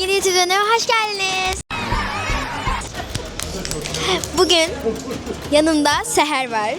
yeni YouTube videoma hoş geldiniz. Bugün yanımda Seher var.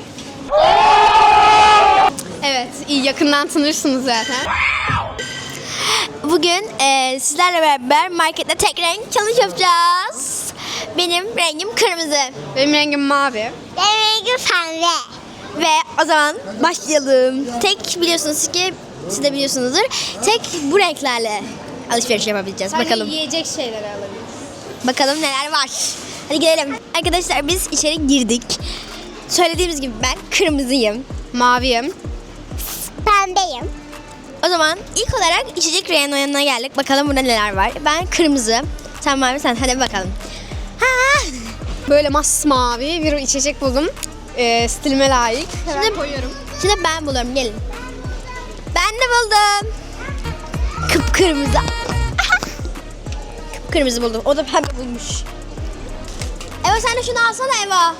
Evet, iyi yakından tanırsınız zaten. Bugün sizlerle beraber markette tek renk challenge yapacağız. Benim rengim kırmızı. Benim rengim mavi. Benim rengim pembe. Ve o zaman başlayalım. Tek biliyorsunuz ki, siz de biliyorsunuzdur. Tek bu renklerle alışveriş yapabileceğiz. Sadece Bakalım. yiyecek şeyleri alabiliriz. Bakalım neler var. Hadi gidelim. Arkadaşlar biz içeri girdik. Söylediğimiz gibi ben kırmızıyım. Maviyim. Pembeyim. O zaman ilk olarak içecek reyonuna yanına geldik. Bakalım burada neler var. Ben kırmızı. Sen mavi, sen. Hadi bakalım. Ha! Böyle masmavi bir içecek buldum. Stilime layık. Hemen koyuyorum. Şimdi ben bulurum. Gelin. Ben de buldum. Kıpkırmızı. Kıpkırmızı buldum. O da pembe bulmuş. Eva sen de şunu alsana Eva.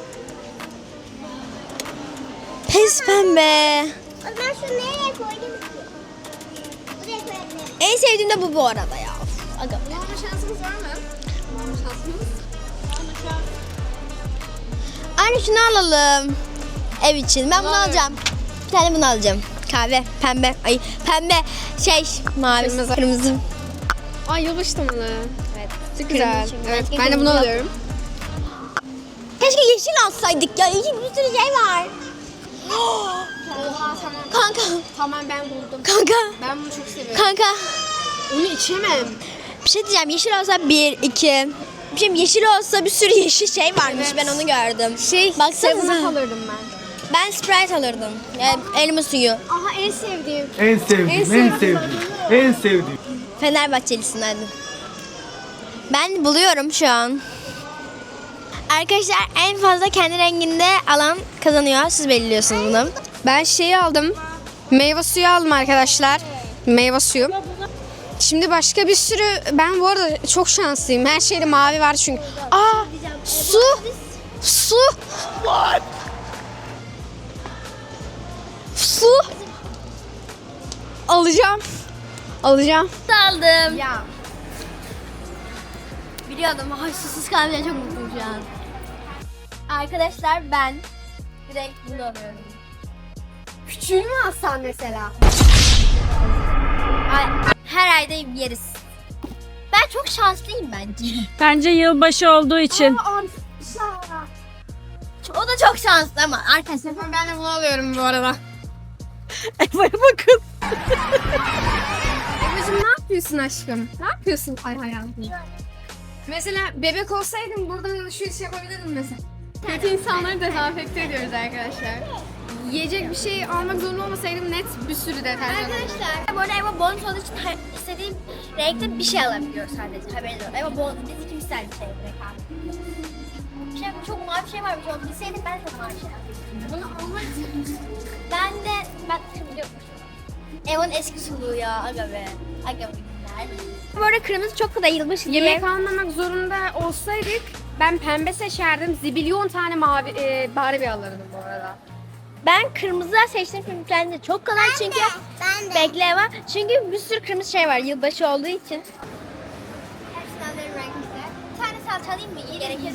Pes pembe. Ben şunu nereye koydum ki? Buraya koyabilirim. En sevdiğim de bu arada ya. Aga. Alma şansımız var mı? Alma şansımız. Anne şunu alalım. Ev için. Ben bunu Alalım. alacağım. Bir tane bunu alacağım. Kahve, pembe. Ay pembe. Mavi, Kırmızı. kırmızı. Ay yılbaşı temalı. Evet. Çok güzel. çünkü. Evet, Başka ben de bunu kırmızı yok. alıyorum. Keşke yeşil alsaydık ya. Yeşil bir sürü şey var. Oha tamam. Kanka. Tamam ben buldum. Kanka. Ben bunu çok seviyorum. Kanka. Onu içemem. Bir şey diyeceğim. Yeşil olsa 1, 2. Şimdi yeşil olsa bir sürü yeşil şey varmış. Evet. Ben onu gördüm. Seven Baksanıza. alırdım ben. Ben Sprite alırdım. Yani elma suyu. Aha en sevdiğim. En sevdiğim. En sevdiğim. Fenerbahçelisin hadi. Ben buluyorum şu an. Arkadaşlar en fazla kendi renginde alan kazanıyor. Siz belirliyorsunuz bunu. Ben şeyi aldım. Meyve suyu aldım arkadaşlar. Meyve suyu. Şimdi başka bir sürü, ben bu arada çok şanslıyım. Her şeyde mavi var çünkü. Aa, su. Su. Su. Alacağım. Alacağım. Aldım. Ya. Biliyordum. Ay susuz kalmayacağım, çok mutluyum şu an. Arkadaşlar ben direkt bunu alıyorum. Küçüğünü mü alsan mesela? Ay, her ayda yeriz. Ben çok şanslıyım bence. Bence yılbaşı olduğu için. O da çok şanslı ama arkadaşlar. Ben de bunu alıyorum bu arada. Eva'ya bakın. Ebru'cum ne yapıyorsun aşkım? Ne yapıyorsun? Ay hayatım. Mesela bebek olsaydım buradan alışveriş yapabilirdim mesela. Kötü insanları dezenfekte ediyoruz arkadaşlar. Yiyecek bir şey almak zorunda olmasaydım net bir sürü deterjan alırdım. Arkadaşlar bu arada Eva bonus olduğu için istediğim renkte bir şey alabiliyor sadece, haberiniz olsun. Eva bonus, biz ikimiz sadece şey direkt aldık. Bir şey, çok mavi bir şey varmış, onu bilseydim ben de mavi şey alırdım. Bunu almak için Ben şimdi biliyorum. Eva'nın eski suluğu ya, aga be. Aga be günler. Bu arada kırmızı çok kadar yılbaşı diye. yemek almamak zorunda olsaydık ben pembe seçerdim. Zibilyon tane mavi Barbie alırdım bu arada. Ben kırmızı seçtim çünkü kendisi çok kolay çünkü. Ben de. Bekle Eva. Çünkü bir sürü kırmızı şey var yılbaşı olduğu için. Hepsini alırım renkli. Bir tane salça alayım mı? İyi gerekir.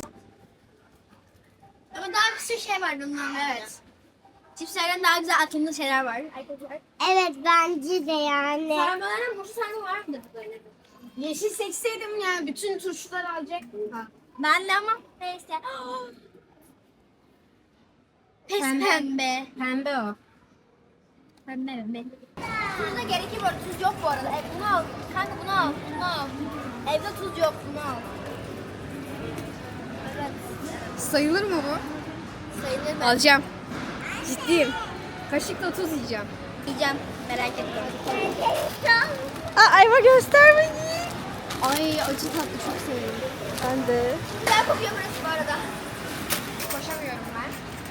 Ama daha bir sürü şey var bundan, evet. Cipslerden daha güzel atımlı şeyler var. Arkadaşlar. Evet bence de yani. Sarmaların burcu sarma var mıdır böyle? Yeşil seçseydim ya bütün turşuları alacaktım. Ben de ama neyse. Pes pembe. Pembe o. Pembe. Tuz da gerekir bu arada. Tuz yok bu arada. Bunu al. Kanka bunu al. Bunu al. Evde tuz yok. Bunu al. Evet. Sayılır mı bu? Sayılır ben. Alacağım. Ciddiyim. Kaşıkla tuz yiyeceğim. Yiyeceğim. Merak etme. Ayva göstermeyin. Ay acı tatlı çok seviyorum. Ben de. Güzel kokuyor burası bu arada. Koşamıyorum ben.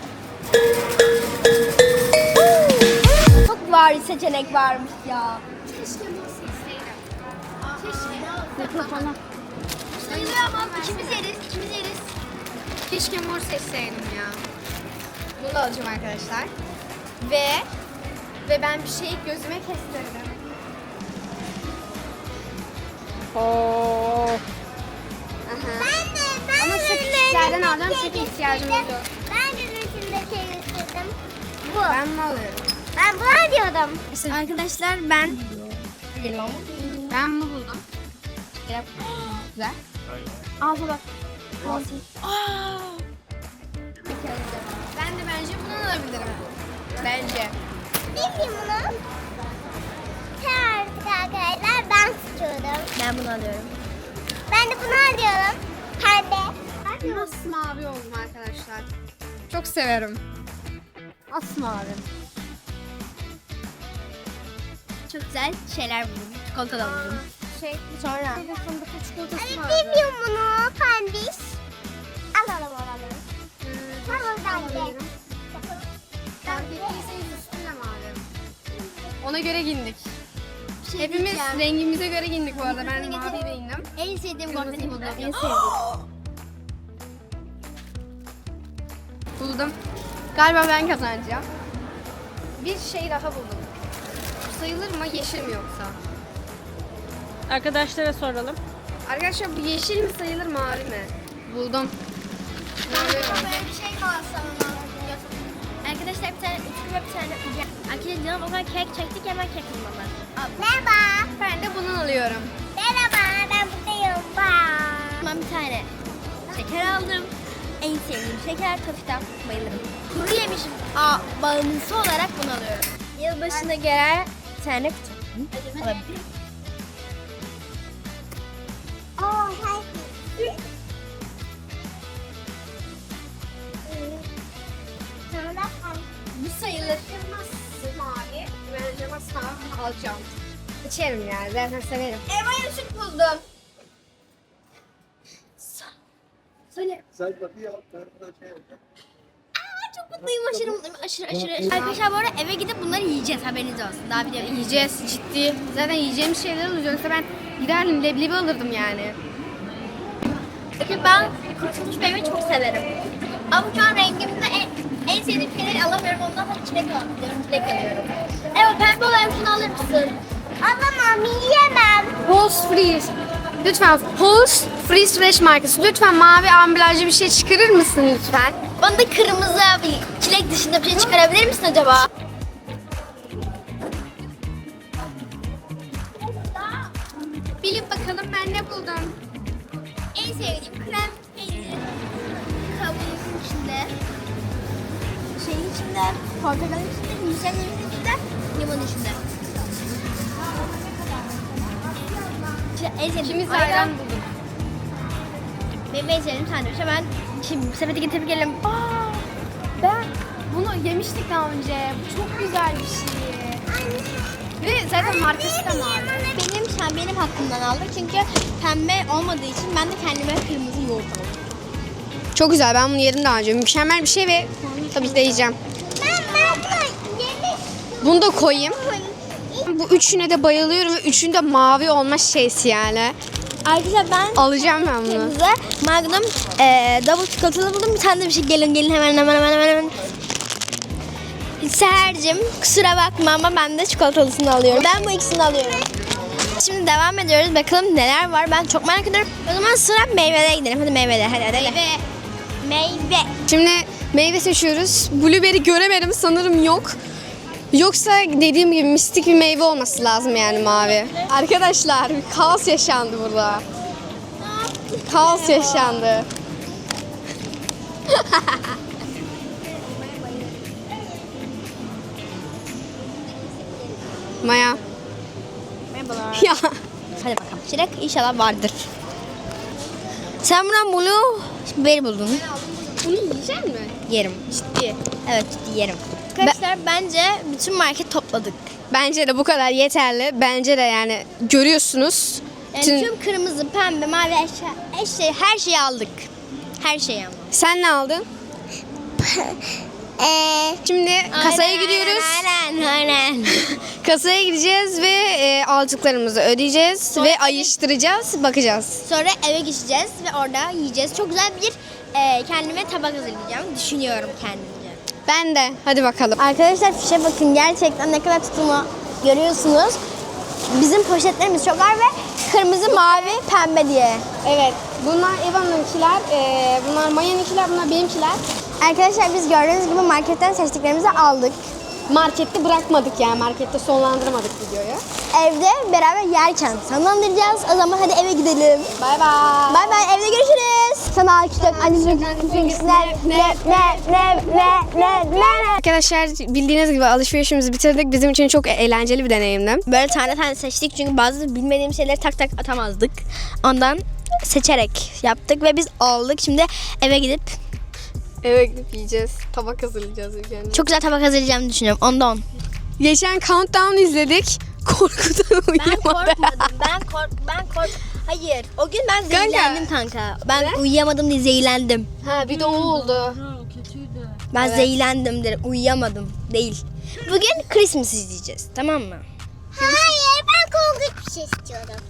Çok var seçenek varmış ya. Keşke bunu seçseydim. Keşke. Sayılıyor ama ikimiz yeriz. Keşke mor seçseydim ya. Bunu alacağım arkadaşlar. Ve ben bir şeyi gözüme kestirdim. Oo. Aha. Ama şu küçüklerden alacağım çünkü ihtiyacımız yok. Ben de resimde istedim. Bu. Ben mi alıyorum? Ben bunu diyordum. Arkadaşlar ben Ben bunu buldum. Güzel. Ağza bak. Ben de bence bunu alabilirim. Bence. Bilmiyorum bunu. Artık arkadaşlar ben seçiyorum. Ben bunu alıyorum. Ben de bunu alıyorum. Pembe. Masmavi oldum arkadaşlar. Çok severim. Masmavi. Çok güzel şeyler buldum. Çikolata da buldum. Sonra Bir de fındıklı çikolatası Hani vardı. bilmiyorum bunu. Pembiş. Alalım. Tamam ben de. Fark ettiyseniz üstünde mavi. Ona göre giyindik. bir şey Hepimiz diyeceğim. rengimize göre giyindik bu arada. Ben mavi giyindim. En sevdiğim konfeti buldum. En Buldum. Galiba ben kazanacağım. Bir şey daha buldum. Sayılır mı, yeşil mi yoksa? Arkadaşlara soralım. Arkadaşlar bu yeşil mi sayılır, mavi mi? Buldum. Böyle bir şey kalsa arkadaşlar bir tane üstüme bir tane arkadaşlar canım o kadar kek çektik hemen kek bulmalar. Merhaba. Ben de bunu alıyorum. Merhaba. Ben buradayım. Bye. Ben bir tane şeker aldım. En sevdiğim şeker tafita bayılırım. Kuru yemişim bağımlısı olarak bunu alıyorum. Yılbaşına gelen bir tane kutu. Alabilirim. Bu sayılır. Mavi. Bence masmavi alacağım. İçerim yani. Zaten severim. Eva'ya süt buldum. Söyle. Çok mutluyum, aşırı mutluyum, aşırı. Arkadaşlar bu arada eve gidip bunları yiyeceğiz, haberiniz olsun. Daha video Yiyeceğiz ciddi. Zaten yiyeceğimiz şeyler olacak. Yoksa ben giderdim leblebi alırdım yani. Çünkü ben kurutulmuş meyve çok severim. Ama şu an rengimde en sevdiğim şeyleri alamıyorum. Ondan sonra çilek alıyorum, çilek alıyorum. Evet, pembe olan şunu alır mısın? Alamam. Yiyemem. Halls Freeze. Lütfen Halls Freeze Fresh markası. Lütfen mavi ambalajlı bir şey çıkarır mısın lütfen? Bana da kırmızı bir çilek dışında bir şey çıkarabilir misin acaba? Bilin bakalım ben ne buldum. En sevdiğim krem peyniri. Kabuğun içinde. Şeyin içinde, portakalın içinde, nişanların içinde, limon içinde. İşte en sevdiğim İkimiz de ayran bulduk. Benim en sevdiğim sandviç. Ben şimdi sepete getirip gelelim. Ben bunu yemiştik daha önce. Bu çok güzel bir şey. Ve zaten markası da mavi. Benim hakkımdan aldım çünkü pembe olmadığı için ben de kendime kırmızı yoğurt aldım. Çok güzel. Ben bunu yedim daha önce. Mükemmel bir şey ve tabii ki de yiyeceğim. Ben bunu yemek Bunu da koyayım. Bu üçüne de bayılıyorum ve üçünde mavi olma şeysi yani. Arkadaşlar ben Alacağım ben bunu. kırmızı Magnum double çikolatalı buldum. Bir tane de bir şey gelin hemen. Seher'cim kusura bakma ama ben de çikolatalısını alıyorum. Ben bu ikisini alıyorum. Şimdi devam ediyoruz. Bakalım neler var. Ben çok merak ediyorum. O zaman sıra meyvelere gidelim. Hadi meyvelere. Hadi. Meyve. Şimdi meyve seçiyoruz. Blueberry göremedim sanırım yok. Yoksa dediğim gibi mistik bir meyve olması lazım yani mavi. Arkadaşlar bir kaos yaşandı burada. Kaos yaşandı. Maya. Merhabalar. Ya. Hadi bakalım. Çilek inşallah vardır. Sen buradan blueberry buldun. Bunu yiyecek mi? Yerim. Ciddi. Evet yerim. Arkadaşlar bence bütün market topladık. Bence de bu kadar yeterli. Bence de yani görüyorsunuz. Yani Bütün- tüm kırmızı, pembe, mavi her şeyi aldık. Her şeyi ama. Sen ne aldın? Şimdi kasaya gidiyoruz. Aynen. Kasaya gideceğiz ve aldıklarımızı ödeyeceğiz ve ayıştıracağız, bakacağız. Sonra eve geçeceğiz ve orada yiyeceğiz. Çok güzel bir kendime tabak hazırlayacağım. Düşünüyorum kendimce. Ben de. Hadi bakalım. Arkadaşlar fişe bakın. Gerçekten ne kadar tuttuğumu görüyorsunuz. Bizim poşetlerimiz çok var ve kırmızı, mavi, pembe diye. Evet. Bunlar Eva'nınkiler, bunlar Maya'nınkiler, bunlar benimkiler. Arkadaşlar biz gördüğünüz gibi marketten seçtiklerimizi aldık. Markette bırakmadık yani. Markette sonlandırmadık videoyu. Evde beraber yerken sonlandıracağız. O zaman hadi eve gidelim. Bay bay. Bay bay, evde görüşürüz. Sana alkışlıyorum. Anneciğim ne. Arkadaşlar bildiğiniz gibi alışverişimizi bitirdik. Bizim için çok eğlenceli bir deneyimdi. Böyle tane tane seçtik çünkü bazı bilmediğim şeyleri tak tak atamazdık. Ondan seçerek yaptık ve biz aldık. Şimdi eve gidip Eve gidip yiyeceğiz. Tabak hazırlayacağız ülkenin. çok güzel tabak hazırlayacağımı düşünüyorum. Ondan. Geçen Countdown izledik. Korkudan Ben uyuyamadım. korkmadım. Ben kork. Hayır. O gün ben Kanka. zehirlendim kanka. Ben uyuyamadım diye zehirlendim. Ha bir de o oldu. Ben zehirlendim dedim. Uyuyamadım. Değil. Bugün Christmas izleyeceğiz. Tamam mı? Hayır ben korkunç bir şey istiyorum.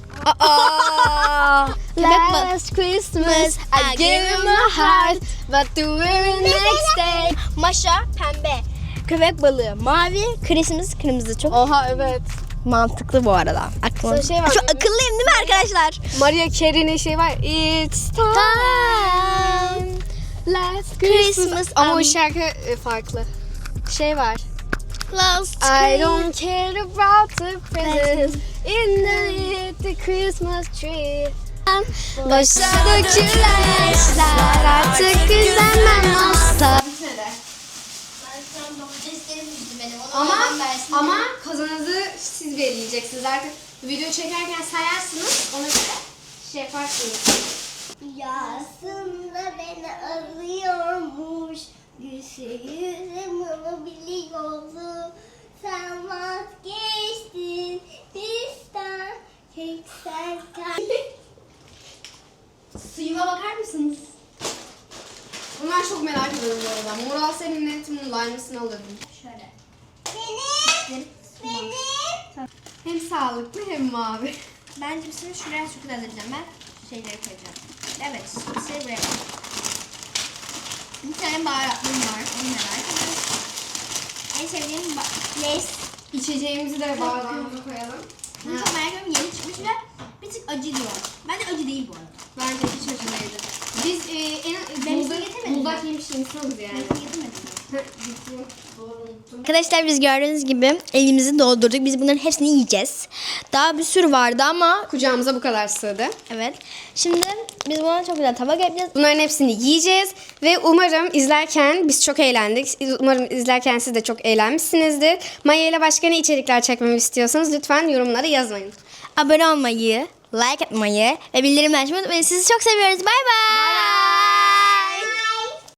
Last Christmas I gave you my heart, but the very next day. Maşa pembe. Köpek balığı mavi, Christmas kırmızı. Çok Oha evet. mantıklı bu arada. Aklıma. Sonra şey var, Çok akıllıyım değil mi arkadaşlar? Mariah Carey'nin şey var. It's time. Last Christmas. Ama o şarkı farklı. Şey var. Last I don't care about the presents in the Christmas tree. Başa dökülen yaşlar artık güzelmem olsa. Ama kazanızı siz belirleyeceksiniz. Artık video çekerken sayarsınız. Ona göre şey yaparsınız. Aslında beni arıyormuş. Yüzümü biliyordu. Sen vazgeçtin. Bizden tek sen kal. Suyuma bakar mısınız? Bunlar çok merak ediyorum bu arada. Moral senin netim lime'ısını alırdım. Şöyle. Benim. Hem sağlıklı hem mavi. Bence bizim şuraya çok güzel alacağım ben. Şeyleri koyacağım. Evet, şey buraya koy. Bir tane baharatlım var. Onu merak ediyorum. En sevdiğim Lays. İçeceğimizi de bardağımıza koyalım. Bunu çok merak ediyorum. Yeni çıkmış ve bir tık acı diyor. Bence acı değil bu arada. Bence hiç acı değildi. Biz getirmedim buldak yemiş insanız yani. Arkadaşlar biz gördüğünüz gibi elimizi doldurduk. Biz bunların hepsini yiyeceğiz. Daha bir sürü vardı ama Kucağımıza bu kadar sığdı. evet. Şimdi biz buna çok güzel tabak yapacağız. Bunların hepsini yiyeceğiz ve umarım izlerken biz çok eğlendik. Umarım izlerken siz de çok eğlenmişsinizdir. Maya ile başka ne içerikler çekmemi istiyorsanız lütfen yorumlara yazmayın. Abone olmayı, like atmayı ve bildirimleri açmayı unutmayın. Sizi çok seviyoruz. Bay bay.